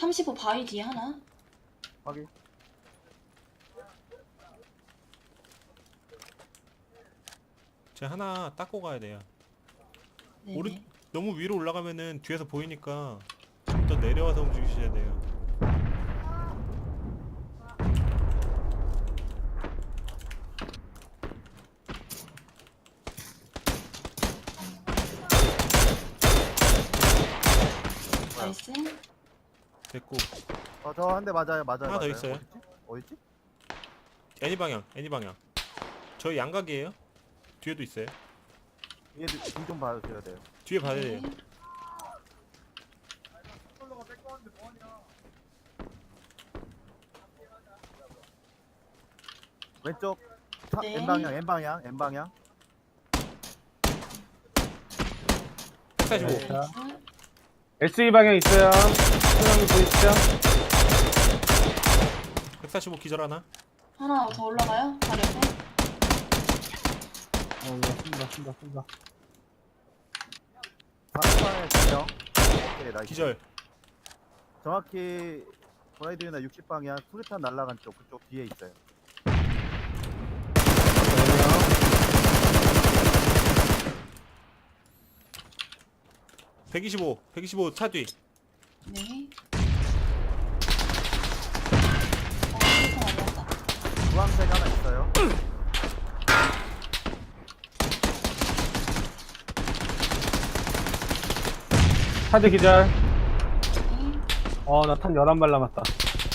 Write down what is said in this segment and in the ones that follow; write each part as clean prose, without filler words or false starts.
35 바위 뒤에 하나. 확인. 제 하나 닦고 가야 돼요. 네네. 오른 너무 위로 올라가면은 뒤에서 보이니까 좀 더 내려와서 움직이셔야 돼요. 나이스. 됐고 저 한 대 맞아요. 맞아요. 하나 더 맞아요. 있어요. 어딨지? 애니 방향, 애니 방향. 저희 양각이에요. 뒤에도 있어요. 얘 뒤좀 봐주셔야 돼요. 뒤에 봐야 돼요. 네. 왼쪽 네. N방향, N방향, N방향. 145. 네. 나이스. SE 방향 있어요. 소장님 보이시죠? 145 기절 하나. 하나 더 올라가요? 다리 옆에. 쏜다. 4방향 진영. 오케이, 나이스. 기절. 정확히 브라이드나 60방향 수류탄 날아간 쪽 그쪽 뒤에 있어요. 125 차 뒤. 네. 수류탄 아니었다. 주황색 하나 있어요. 차드 기절. 네. 나 탄 11발 남았다.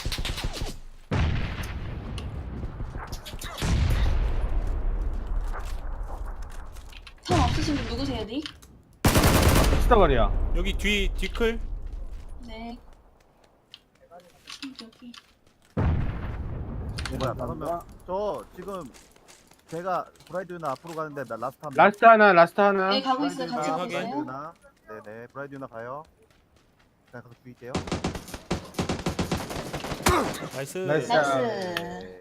탄 없으신 분 누구세요, 니? 스타발이야. 여기 뒤클. 네. 여기. 뭐야, 다섯 명. 저 지금 제가 브라이드나 앞으로 가는데 나 라스트 한 명. 라스트 하나. 네, 가고 있어요. 같이 가고 확인. 있어요. 브라이드나. 네네, 브라이드나 가요. 자, 가서 죽일게요. 나이스. 나이스. 나이스.